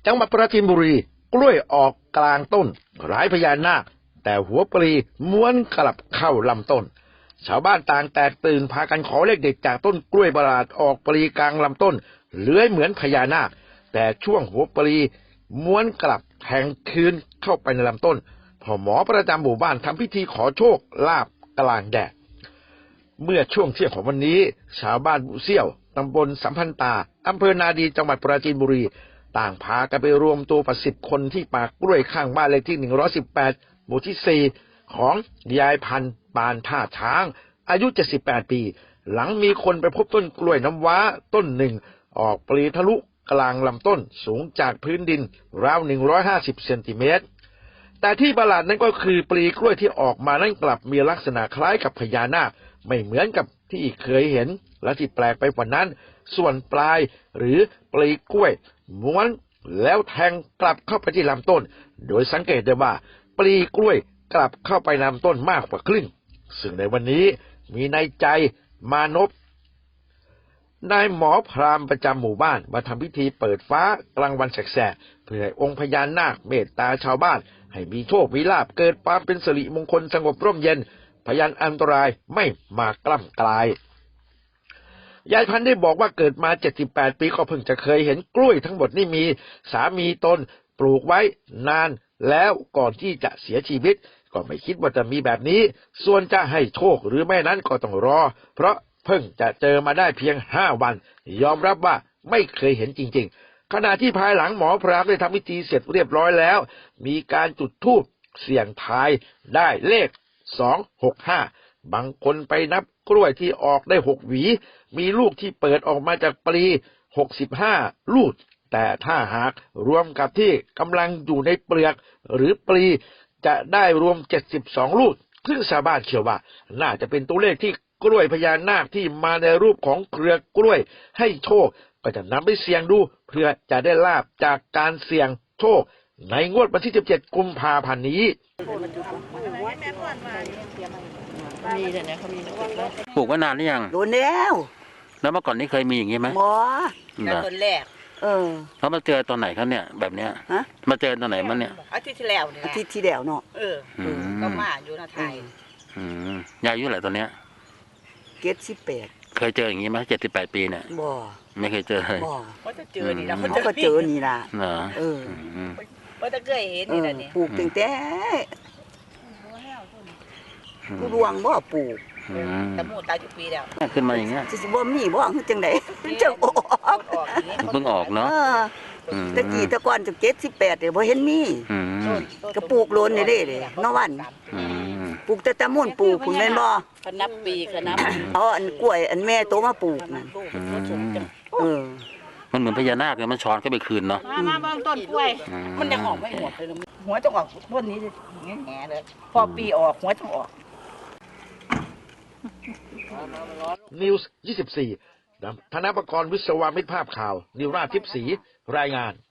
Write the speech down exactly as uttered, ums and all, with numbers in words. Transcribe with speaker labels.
Speaker 1: จังหวัดปราจีนบุรีกล้วยออกกลางต้นคล้ายพญานาคแต่หัวปลีม้วนกลับเข้าลำต้นชาวบ้านต่างแตกตื่นพากันขอเลขเด็ดจากต้นกล้วยประหลาดออกปลีกลางลำต้นเลื้อยเหมือนพญานาคแต่ช่วงหัวปลีม้วนกลับแทงคืนเข้าไปในลำต้นพ่อหมอประจำหมู่บ้านทำพิธีขอโชคลาภกลางแดดเมื่อช่วงเที่ยงของวันนี้ชาวบ้านบุเซี่ยวตำบลสัมพันตาอำเภอนาดีจังหวัดปราจีนบุรีต่างพากันไปรวมตัวประสิบคนที่ป่ากล้วยข้างบ้านเลขที่หนึ่งร้อยสิบแปดหมู่ที่สี่ของยายพันธุ์ปานท่าช้างอายุเจ็ดสิบแปดปีหลังมีคนไปพบต้นกล้วยน้ำว้าต้นหนึ่งออกปลีทะลุกลางลำต้นสูงจากพื้นดินราวหนึ่งร้อยห้าสิบเซนติเมตรแต่ที่ประหลาดนั้นก็คือปลีกล้วยที่ออกมานั้นกลับมีลักษณะคล้ายกับพญานาคไม่เหมือนกับที่เคยเห็นและที่แปลกไปกว่านั้นส่วนปลายหรือปลีกล้วยม้วนแล้วแทงกลับเข้าไปที่ลำต้นโดยสังเกตได้ว่าปลีกล้วยกลับเข้าไปลำต้นมากกว่าครึ่งซึ่งในวันนี้มีนายใจมานพนายหมอพราหมณ์ประจำหมู่บ้านมาทำพิธีเปิดฟ้ากลางวันแสกๆเพื่อให้องค์พญานาคเมตตาชาวบ้านให้มีโชคมีลาภเกิดความเป็นสิริมงคลสงบร่มเย็นพยานอันตรายไม่มากล้ำกลายยายพันธุ์ได้บอกว่าเกิดมาเจ็ดสิบแปดปีก็เพิ่งจะเคยเห็นกล้วยทั้งหมดนี่มีสามีตนปลูกไว้นานแล้วก่อนที่จะเสียชีวิตก็ไม่คิดว่าจะมีแบบนี้ส่วนจะให้โชคหรือไม่นั้นก็ต้องรอเพราะเพิ่งจะเจอมาได้เพียงห้าวันยอมรับว่าไม่เคยเห็นจริงๆขณะที่ภายหลังหมอพราหมณ์ได้ทำพิธีเสร็จเรียบร้อยแล้วมีการจุดธูปเสี่ยงทายได้เลขสองหกห้าบางคนไปนับกล้วยที่ออกได้หกหวีมีลูกที่เปิดออกมาจากปลีหกสิบห้าลูกแต่ถ้าหากรวมกับที่กำลังอยู่ในเปลือกหรือปลีจะได้รวมเจ็ดสิบสองลูกซึ่งชาวบ้านเชื่อว่าน่าจะเป็นตัวเลขที่กล้วยพญานาคที่มาในรูปของเครือกล้วยให้โชคก็จะนำไปเสี่ยงดูเพื่อจะได้ลาภจากการเสี่ยงโชคในงวดวันที่สิบเจ็ดกุมภาพันธ์นี้
Speaker 2: ปลูกมานานหรือยัง
Speaker 3: โดนแล้ว
Speaker 2: แล้วเมื่อก่อนนี้เคยมีอย่างนี้ไหม
Speaker 3: บ่
Speaker 4: แต่ต้นแรก
Speaker 3: เออ
Speaker 2: เขามาเจอตอนไหนครับเนี่ยแบบเนี้ยมาเจอตอนไหนมันเนี่ย
Speaker 4: อาทิตย์ที่แล้วเนี่ย
Speaker 3: อาทิตย์ที่แล้วเนาะ
Speaker 4: เออก็มาอยู่นะไทย
Speaker 2: ยายอายุเท่าไหร่ตอนเนี้ย
Speaker 3: เจ็ดสิบแปด
Speaker 2: เคยเจออย่างนี้ไหมเจ็ดสิบแปดปีเนี่ย
Speaker 3: บ่
Speaker 2: ไม่เคยเจอเลย
Speaker 3: บ่
Speaker 4: เขาจะเจอนี่นะ
Speaker 3: เขาก็เจอนี่ล่ะ
Speaker 2: เหรอ
Speaker 3: เออ
Speaker 4: เขาจะเคยเห็นนี่แหละนี่
Speaker 3: ปลูกตั้งแต่ผู้ดวงบ่ปลูก
Speaker 4: แต่หมูตายทุกปีแล้ว
Speaker 2: ขึ้นมาอย่างเงี้ย
Speaker 3: สิบ่มีบ่จังได๋จังออก
Speaker 2: เพิ่งออกเนาะ
Speaker 3: ตะกี้ตะก่อนจะเจ็ดสิบแปดเด้บ่เห็นมีก็ปลูกโลนนี่เด้เด้นอวันปลูกแต่ตะมุ่นปลูกคุณแม่นบ่
Speaker 4: คณะปีคณะ
Speaker 3: เอาอันกล้วยอันแม่โตมาปลูกนั่นเออ
Speaker 2: มันเหมือนพญานาคเลยมันช้อนเข้าไปคืนเนาะ
Speaker 4: มามาบางต้นกล้วยมันยังออกไม่หมดเลยหัวจะออกต้นนี้แง่เลยพอปีออกหัวจะออก
Speaker 1: นิวส์ยี่สิบสี่ธนปกรณ์วิศวะมิตรภาพข่าวนิวราชทิพย์ศรีรายงาน